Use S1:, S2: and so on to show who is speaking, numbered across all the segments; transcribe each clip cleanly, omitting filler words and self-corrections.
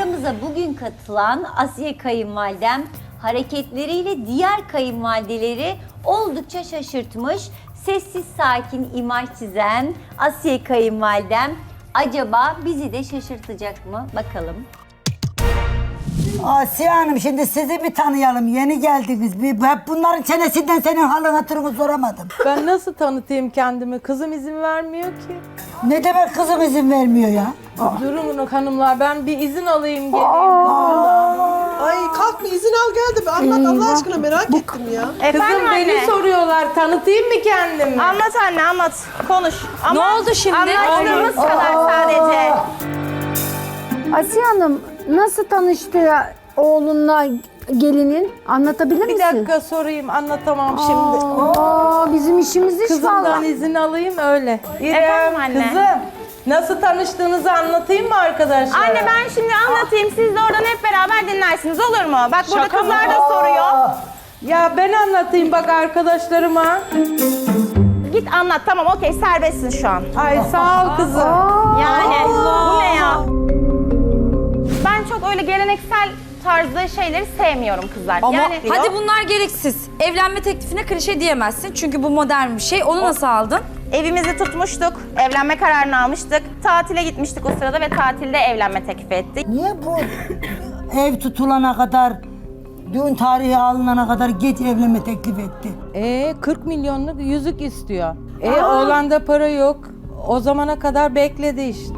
S1: Aramıza bugün katılan Asiye kayınvalidem hareketleriyle diğer kayınvalideleri oldukça şaşırtmış. Sessiz sakin imaj çizen Asiye kayınvalidem acaba bizi de şaşırtacak mı? Bakalım.
S2: Asiye Hanım, şimdi sizi bir tanıyalım. Yeni geldiniz. Hep bunların çenesinden senin halın hatırını soramadım.
S3: Ben nasıl tanıtayım kendimi? Kızım izin vermiyor ki.
S2: Ne demek kızım izin vermiyor ya?
S3: Durun hanımlar, ben bir izin alayım geleyim.
S4: Ay kalk bir izin al gel de bir anlat Allah aşkına merak ettim ya.
S3: Kızım beni soruyorlar, tanıtayım mı kendimi?
S5: Anlat anne anlat. Konuş. Ama
S6: Ne oldu şimdi?
S5: anlattığımız kadar sadece.
S7: Asiye Hanım nasıl tanıştı oğlunla gelinin? Anlatabilir
S3: Bir
S7: misin?
S3: dakika sorayım, anlatamam şimdi.
S7: Aa, bizim işimiz iş
S3: Kızımdan
S7: vallahi.
S3: izin alayım öyle.
S5: Efendim anne.
S3: Kızım, nasıl tanıştığınızı anlatayım mı arkadaşlar?
S5: Anne ben şimdi anlatayım. Siz de oradan hep beraber dinlersiniz olur mu? Bak burada kızlar da soruyor.
S3: Ya ben anlatayım bak arkadaşlarıma.
S5: Git anlat tamam okey serbestsin şu an.
S3: Ay sağ ol kızım.
S5: Yani bu ne ya? Ben çok öyle geleneksel tarzda şeyleri sevmiyorum kızlar.
S6: Ama
S5: yani
S6: hadi bunlar gereksiz. Evlenme teklifine klişe diyemezsin. Çünkü bu modern bir şey. Onu nasıl aldın?
S5: evimizi tutmuştuk. Evlenme kararını almıştık. Tatile gitmiştik o sırada ve tatilde evlenme teklif etti.
S2: Niye bu ev tutulana kadar, düğün tarihi alınana kadar geç evlenme teklif etti?
S3: 40 milyonluk yüzük istiyor. Oğlanda para yok. O zamana kadar bekledi işte.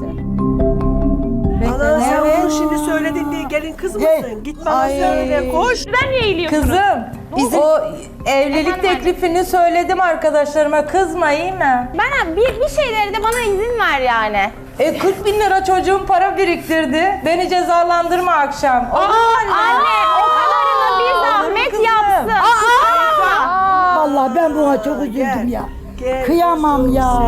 S4: Ana sen
S3: Evet.
S4: bunu şimdi söyledin diye gelin kız mısın?
S2: Hey.
S4: Git bana
S3: Ay.
S4: söyle koş.
S3: Kızım, o evlilik
S5: Efendim
S3: teklifini söyledim arkadaşlarıma. Kızma iyi mi?
S5: Ben bir şeyleri de bana izin ver yani.
S3: 40 bin lira çocuğum para biriktirdi. Beni cezalandırma akşam.
S5: Anne o kadarını bir zahmet
S3: kızım.
S5: yapsın.
S2: Vallahi ben buna çok üzüldüm ya.
S4: Gel.
S2: Kıyamam ya.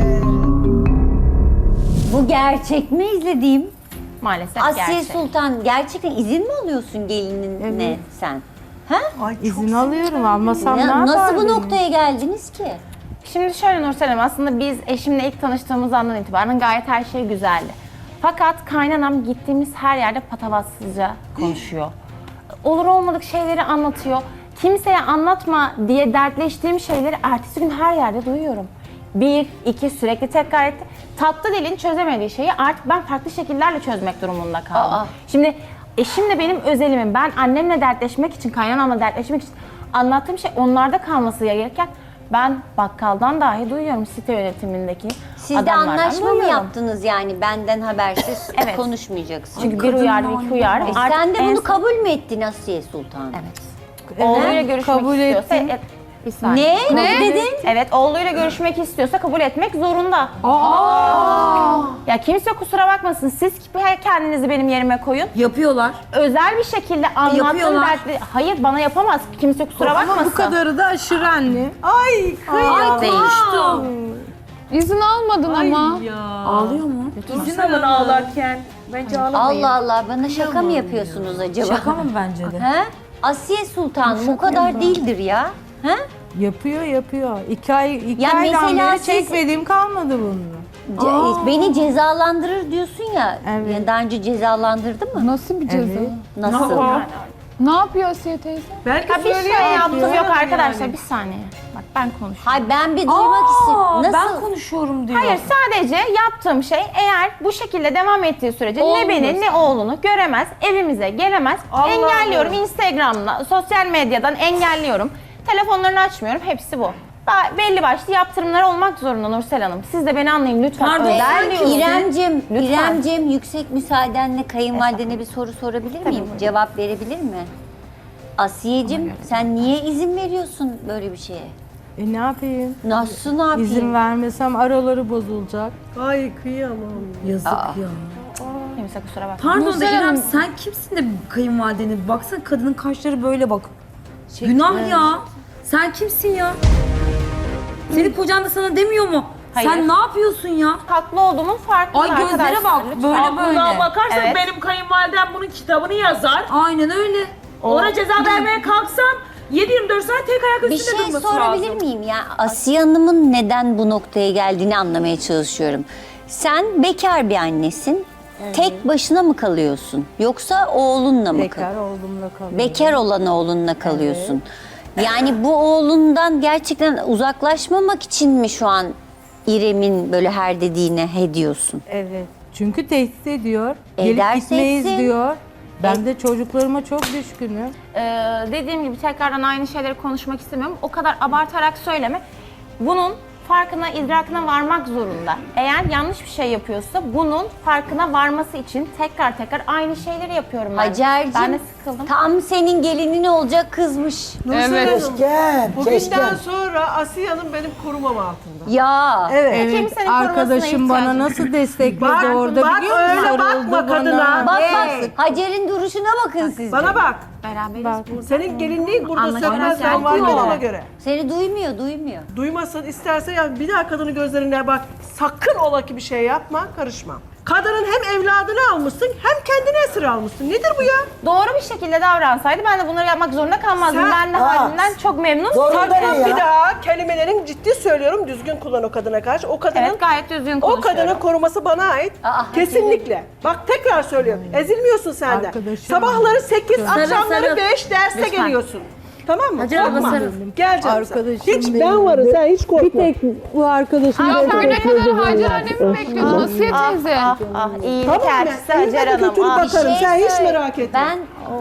S1: Bu gerçek mi izlediğim?
S5: Maalesef
S1: Asiye
S5: gerçek.
S1: Sultan gerçekten izin mi alıyorsun gelinine sen? Ha?
S4: Ay, çok
S3: İzin alıyorum, almasam ne
S1: Nasıl bu
S3: yapardım?
S1: noktaya geldiniz ki?
S5: Şimdi şöyle Nursel Hanım, aslında biz eşimle ilk tanıştığımız andan itibaren gayet her şey güzeldi. Fakat kaynanam gittiğimiz her yerde patavatsızca konuşuyor. Olur olmadık şeyleri anlatıyor. Kimseye anlatma diye dertleştiğim şeyleri ertesi gün her yerde duyuyorum. 1, 2 sürekli tekrar etti. Tatlı dilin çözemediği şeyi artık ben farklı şekillerle çözmek durumunda kaldım.
S1: Aa.
S5: Şimdi eşim de benim özelimim. Ben annemle dertleşmek için, kaynanamla dertleşmek için anlattığım şey onlarda kalması gerekirken ben bakkaldan dahi duyuyorum site yönetimindeki
S1: Siz de
S5: adamlardan
S1: anlaşma mı
S5: duyuyorum.
S1: yaptınız yani benden habersiz
S5: Evet.
S1: konuşmayacaksın?
S5: Çünkü bir uyardı, iki uyardı. Artık
S1: Sen de
S5: en
S1: bunu
S5: son-
S1: kabul mü ettin Asiye Sultan?
S5: Evet. Oğluyla görüşmek
S3: kabul
S5: istiyorsa...
S3: ettim.
S5: Bir saniye.
S1: Ne dedin?
S5: Evet, oğluyla görüşmek istiyorsa kabul etmek zorunda. Ya kimse kusura bakmasın, siz kendinizi benim yerime koyun.
S6: Yapıyorlar.
S5: Özel bir şekilde anlattığım
S6: Yapıyorlar.
S5: dertli... Hayır, bana yapamaz. Kimse kusura bakmasın.
S3: Ama bu kadarı da aşırı anne.
S4: Ay kıyamam.
S6: Konuştu.
S7: İzin almadın ama.
S6: Ağlıyor mu?
S3: İzin alın ağlarken. Bence ağlamayın.
S1: Allah Allah, bana şaka mı yapıyorsunuz acaba?
S6: Şaka mı bence de?
S1: He? Asiye Sultan bu kadar değildir ya. He?
S3: Yapıyor. 2 aydan
S1: mesela
S3: beri
S1: siz-
S3: çekmediğim kalmadı bunu.
S1: Beni cezalandırır diyorsun ya.
S3: Evet.
S1: Yani daha önce cezalandırdı mı?
S7: Nasıl bir ceza?
S3: Evet.
S1: Nasıl?
S7: Ne yapıyor Asiye teyze?
S4: Belki
S5: Ya bir şey
S4: söyleyemem
S5: yaptım
S4: diyor.
S5: yok arkadaşlar, bir saniye. Bak ben konuşuyorum.
S1: Hayır, ben bir duymak istiyorum. Nasıl?
S6: Ben konuşuyorum diyor.
S5: Hayır, sadece yaptığım şey eğer bu şekilde devam ettiği sürece ne beni ne oğlunu göremez, evimize gelemez. Engelliyorum Instagram'la, sosyal medyadan engelliyorum. Telefonlarını açmıyorum, hepsi bu. Daha belli başlı yaptırımlar olmak zorunda Nursel Hanım. Siz de beni anlayın lütfen.
S6: Pardon,
S5: Özel diyorsun.
S1: İremcim,
S5: Lütfen.
S1: yüksek müsaadenle kayınvalidene bir soru sorabilir miyim? Cevap verebilir mi? Asiyeciğim, sen niye izin veriyorsun böyle bir şeye?
S3: Ne yapayım?
S1: Nasıl, ne yapayım?
S3: İzin vermesem araları bozulacak.
S4: Ay kıyamam.
S6: Yazık ya.
S5: Kimse kusura bakma.
S6: Pardon da İrem, sen kimsin de kayınvalidene? Baksana kadının kaşları böyle bak. Günah ya. Sen kimsin ya? Senin kocan da sana demiyor mu?
S5: Hayır.
S6: Sen ne yapıyorsun ya?
S5: Haklı olduğumun farkındayım
S6: Ay gözlere
S5: arkadaşlar,
S6: bak,
S5: lütfen.
S6: böyle böyle.
S8: Buna bakarsan
S5: Evet.
S8: benim kayınvalidem bunun kitabını yazar.
S6: Aynen öyle.
S8: Ona ceza vermeye kalksam 7-24 saat tek ayak
S1: Bir
S8: üstünde
S1: şey
S8: durması
S1: sorabilir
S8: lazım.
S1: miyim ya? Asiye Hanım'ın neden bu noktaya geldiğini anlamaya çalışıyorum. Sen bekar bir annesin. Tek başına mı kalıyorsun? Yoksa oğlunla mı
S3: Bekar oğlumla kalıyorum.
S1: Bekar olan oğlunla kalıyorsun. Yani bu oğlundan gerçekten uzaklaşmamak için mi şu an İrem'in böyle her dediğine he diyorsun?
S3: Evet. Çünkü tehdit ediyor. Gelip
S1: Ederse
S3: gitmeyiz
S1: etsin.
S3: diyor. Ben de çocuklarıma çok düşkünüm.
S5: Dediğim gibi tekrardan aynı şeyleri konuşmak istemiyorum. O kadar abartarak söyleme. Bunun farkına, idrakına varmak zorunda. Eğer yanlış bir şey yapıyorsa bunun farkına varması için tekrar aynı şeyleri yapıyorum ben.
S1: Hacer'cim
S5: Ben de sıkıldım.
S1: tam senin gelinin olacak kızmış.
S4: Nursel Hanım,
S2: Keşke,
S4: bugünden
S2: keşke.
S4: sonra Asiye Hanım benim korumam altında.
S1: Ya.
S3: Evet.
S5: Kimsenin korumasına
S3: Arkadaşım bana
S5: ihtiyacım
S3: nasıl destekledi
S4: Bak,
S3: orada
S4: bak,
S3: biliyor musun?
S4: öyle bakma
S3: Sarıldı bana.
S4: kadına.
S1: Bak Hacer'in duruşuna bakın siz. de.
S4: Bana bak.
S5: Beraberiz.
S4: Senin gelinliğin burada
S5: Anlaşılmaz
S4: sökmez ben
S5: yani.
S4: varken
S1: Yok.
S4: ona göre.
S1: Seni duymuyor.
S4: Duymasın isterse ya bir daha kadının gözlerine bak. Sakın ola ki bir şey yapma, karışma. Kadının hem evladını almışsın hem kendini esir almışsın. Nedir bu ya?
S5: Doğru bir şekilde davransaydı ben de bunları yapmak zorunda kalmazdım.
S4: Sen-
S5: Ben de halimden çok memnunum.
S2: Zorunda
S4: Sakın
S2: ne ya?
S4: bir daha kelimelerin ciddi söylüyorum düzgün kullan o kadına karşı. O kadının
S5: Evet, gayet düzgün
S4: o
S5: konuşuyorum.
S4: kadının koruması bana ait. Kesinlikle. Bak tekrar söylüyorum. Ezilmiyorsun sen de.
S3: Arkadaşım.
S4: Sabahları 8, akşamları
S6: sarıl.
S4: 5 derse
S5: Lütfen.
S4: geliyorsun. Tamam mı?
S6: Hacer abla
S4: Korkma.
S6: sarıl.
S4: Gel canım sen.
S3: Arkadaşım
S4: Hiç
S3: benim
S4: ben varım
S3: de.
S4: sen hiç korkma.
S3: Bir tek bu arkadaşım
S7: Ya
S3: böyle
S7: sen ne
S3: bekledi
S7: kadar Hacer
S3: vallahi.
S7: annemi mi bekliyordun Asiye teyze?
S5: İyilik
S4: Tamam ben
S5: elçisi Hacer
S4: elime de
S5: Hanım.
S4: götürüp
S5: Ah.
S4: bakarım.
S1: Bir şey
S4: Sen hiç
S1: söyle.
S4: merak etme.
S1: Ben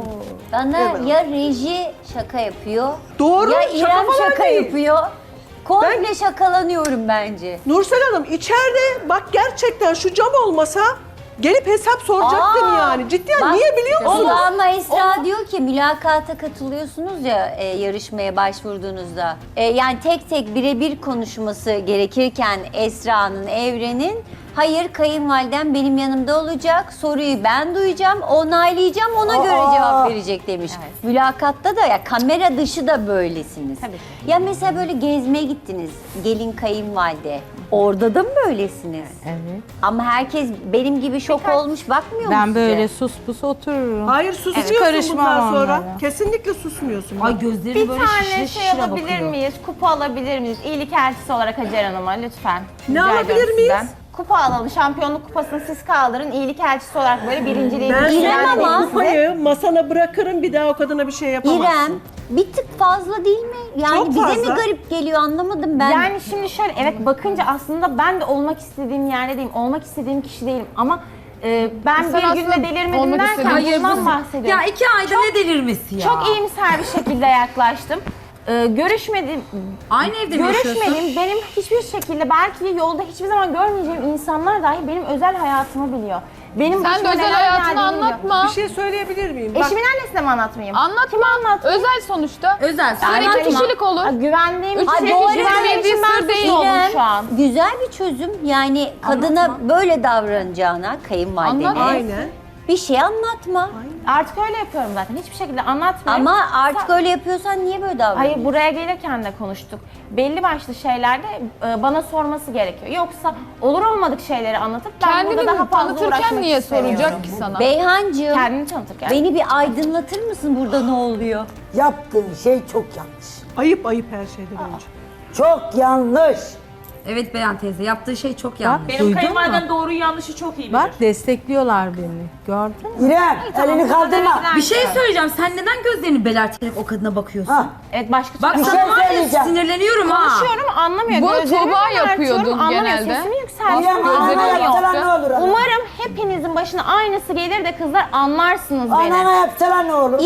S1: bana ya reji şaka yapıyor.
S4: Doğru,
S1: Ya
S4: şaka
S1: İrem
S4: falan
S1: şaka
S4: değil.
S1: yapıyor. Komple şakalanıyorum bence.
S4: Nursel Hanım içeride bak gerçekten şu cam olmasa gelip hesap soracaktım
S1: Aa,
S4: yani. Cidden
S1: bak,
S4: niye biliyor musunuz?
S1: Ama Esra diyor ki mülakata katılıyorsunuz ya yarışmaya başvurduğunuzda. Yani tek tek birebir konuşması gerekirken Esra'nın, Evren'in hayır kayınvalidem benim yanımda olacak, soruyu ben duyacağım, onaylayacağım, ona göre cevap verecek demiş. Mülakatta da ya kamera dışı da böylesiniz.
S5: Tabii.
S1: Ya mesela böyle gezmeye gittiniz, gelin kayınvalide. Orada da mı böylesiniz?
S3: Evet.
S1: Ama herkes benim gibi şok olmuş bakmıyor mu
S3: Ben
S1: size?
S3: böyle sus pus otururum.
S4: Hayır susmuyorsun
S3: karışmam
S4: bundan sonra.
S3: onlara.
S4: Kesinlikle susmuyorsun.
S6: Ay gözleri
S5: Bir
S6: böyle
S5: tane
S6: şişire
S5: şey
S6: şişire
S5: alabilir
S6: bakıyor.
S5: miyiz? Kupa alabilir miyiz? İyilik elçisi olarak Hacer Hanım'a lütfen.
S4: Ne
S5: Rica
S4: alabilir
S5: ediyorum
S4: miyiz?
S5: sizden. Kupa alalım. Şampiyonluk kupasını siz kaldırın. İyilik elçisi olarak böyle birinciliği
S4: Ben
S1: İrem
S4: sana
S1: ama-
S4: kupayı masana bırakırım bir daha o kadına bir şey yapamazsın.
S1: İrem bir tık fazla değil mi? Yani
S4: Çok
S1: bize
S4: fazla.
S1: mi garip geliyor anlamadım ben.
S5: Yani şimdi şöyle evet bakınca aslında ben de olmak istediğim yerde değilim. Olmak istediğim kişi değilim ama ben
S7: Sen
S5: bir günde
S7: aslında
S5: delirmedim
S7: olmak
S5: derken
S7: istediğin-
S6: Hayır,
S5: bundan
S6: bu-
S5: bahsediyorum.
S6: Ya 2 ayda ne delirmesi ya?
S5: Çok iyimser bir şekilde yaklaştım. Görüşmedim.
S6: Aynı evde mi yaşıyorsun?
S5: Görüşmedim. Benim hiçbir şekilde belki yolda hiçbir zaman görmeyeceğim insanlar dahi benim özel hayatımı biliyor. Benim
S7: Sen de
S5: başıma
S7: özel
S5: neler
S7: hayatını
S5: geldiğini biliyor.
S7: anlatma.
S4: Bir şey söyleyebilir miyim? Bak,
S5: Eşimin annesine mi anlatmayayım?
S7: Anlatma.
S5: Kime anlatmayayım?
S7: Özel sonuçta.
S6: Özel.
S7: Sen
S6: Anlatma.
S7: iki kişilik olur.
S5: Güvendiğim
S7: Üç
S5: için,
S7: kişilik
S1: bu arada
S5: güvendiğim için ben
S7: sır değil.
S5: suçlu oldum
S1: İrem,
S5: şu an.
S1: güzel bir çözüm. Yani kadına böyle davranacağına kayınvalidene
S7: Anlatma.
S4: aynen.
S1: bir şey anlatma.
S5: Artık öyle yapıyorum zaten. Hiçbir şekilde anlatmıyorum.
S1: Ama artık öyle yapıyorsan niye böyle davranıyorsun?
S5: Hayır buraya gelirken de konuştuk. Belli başlı şeylerde bana sorması gerekiyor. Yoksa olur olmadık şeyleri anlatıp ben burada daha
S7: Kendini
S5: fazla
S7: tanıtırken
S5: uğraşmak
S7: niye
S5: istemiyorum.
S7: soracak ki sana?
S1: Beyhancığım
S5: Kendini tanıtırken.
S1: beni bir aydınlatır mısın burada ne oluyor?
S2: Yaptığın şey çok yanlış.
S4: Ayıp ayıp her şeyden önce.
S2: Çok yanlış.
S6: Evet Beyan teyze yaptığı şey çok yanlış.
S8: Benim
S3: Duydun
S8: kayınvalidem
S3: mu?
S8: doğruyu yanlışı çok iyi bilir.
S3: Bak destekliyorlar beni. Gördün mü?
S2: İrem elini kaldırma.
S6: Bir şey söyleyeceğim. Sen neden gözlerini belerterek o kadına bakıyorsun?
S2: Ha,
S5: Evet başka
S6: Bak
S2: Bir
S6: sana
S2: şey
S6: var ya
S2: söyleyeceğim.
S6: sinirleniyorum ha.
S5: konuşuyorum anlamıyor.
S7: Bunu
S5: Gözlerimi
S7: Tuğba
S5: belertiyorum,
S7: yapıyordun
S5: anlamıyor.
S7: genelde.
S5: Sesimi
S2: İrem
S5: yükseltiyorum.
S2: anana
S7: Gözlerini
S2: yapsalar
S7: yaptı.
S2: ne olur? ana?
S5: Umarım hepinizin başına aynısı gelir de kızlar anlarsınız beni.
S2: Anana yapsalar ne olur?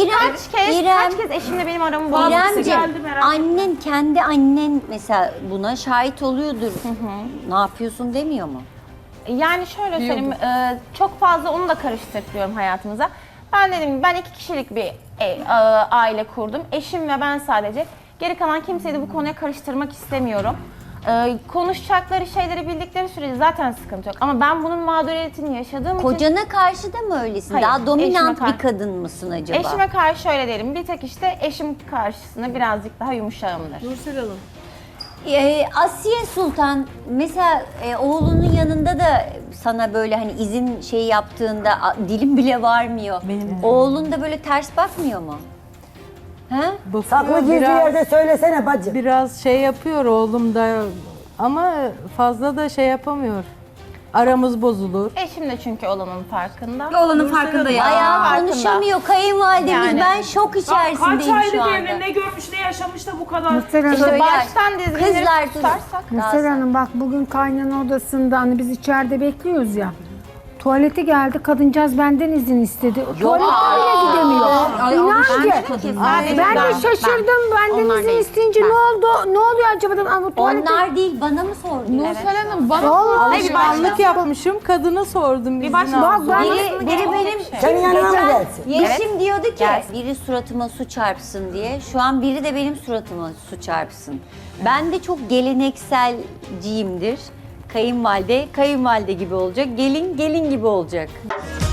S5: Kaç kez eşimle benim aramı bozması
S1: İremciğim,
S5: geldi merak
S1: annen kendi annen mesela buna şahit oluyordur. Ne yapıyorsun demiyor mu?
S5: Yani şöyle söyleyeyim, çok fazla onu da karıştırıyorum hayatımıza. Ben dedim ben 2 kişilik bir aile kurdum. Eşim ve ben sadece. Geri kalan kimseyi de bu konuya karıştırmak istemiyorum. Konuşacakları şeyleri bildikleri sürece zaten sıkıntı yok. Ama ben bunun mağduriyetini yaşadığım için
S1: Kocana karşı da mı öylesin?
S5: Hayır,
S1: Daha dominant
S5: eşime
S1: bir kadın mısın acaba?
S5: eşime karşı öyle değilim. Bir tek işte eşim karşısında birazcık daha yumuşağımdır.
S4: Nursel Hanım.
S1: Asiye Sultan mesela oğlunun yanında da sana böyle hani izin şey yaptığında dilim bile varmıyor. Oğlun da böyle ters bakmıyor mu? He?
S3: Bakıyor,
S2: Saklı gizli yerde söylesene bacı.
S3: biraz şey yapıyor oğlum da ama fazla da şey yapamıyor. Aramız bozulur.
S5: Eşim de çünkü olanın farkında.
S6: Olanın farkında ya.
S1: Bayağı
S5: farkında.
S1: konuşamıyor kayınvalidemiz.
S5: Yani.
S1: Ben şok
S8: Kaç
S1: içerisindeyim
S8: aylık
S1: şu anda.
S8: evli, ne görmüş, ne yaşamış da bu kadar.
S1: Şöyle
S5: İşte baştan dizginleri
S1: kızlar
S5: tutarsak.
S9: Nursel Hanım bak bugün kaynana odasında hani biz içeride bekliyoruz ya. Tuvalete geldi kadıncağız benden izin istedi. Tuvalete bile gidemiyor. İnan ki. Ben de şaşırdım. Benden
S5: Onlar
S9: izin
S5: değil.
S9: isteyince ne oldu? Ne oluyor acaba? dedim. Ama tuvalete...
S1: Onlar değil, bana mı sordun?
S7: Nursel Hanım bana
S3: Alışkanlık yapmışım. Kadına sordum. Bir
S9: Bak ben
S1: Biri benim
S2: Senin yanına mı gelsin?
S1: Yeşim diyordu ki biri suratıma su çarpsın diye. Şu an biri de benim suratıma su çarpsın. Ben de çok gelenekselciyimdir. Kayınvalide, kayınvalide gibi olacak. Gelin, gelin gibi olacak.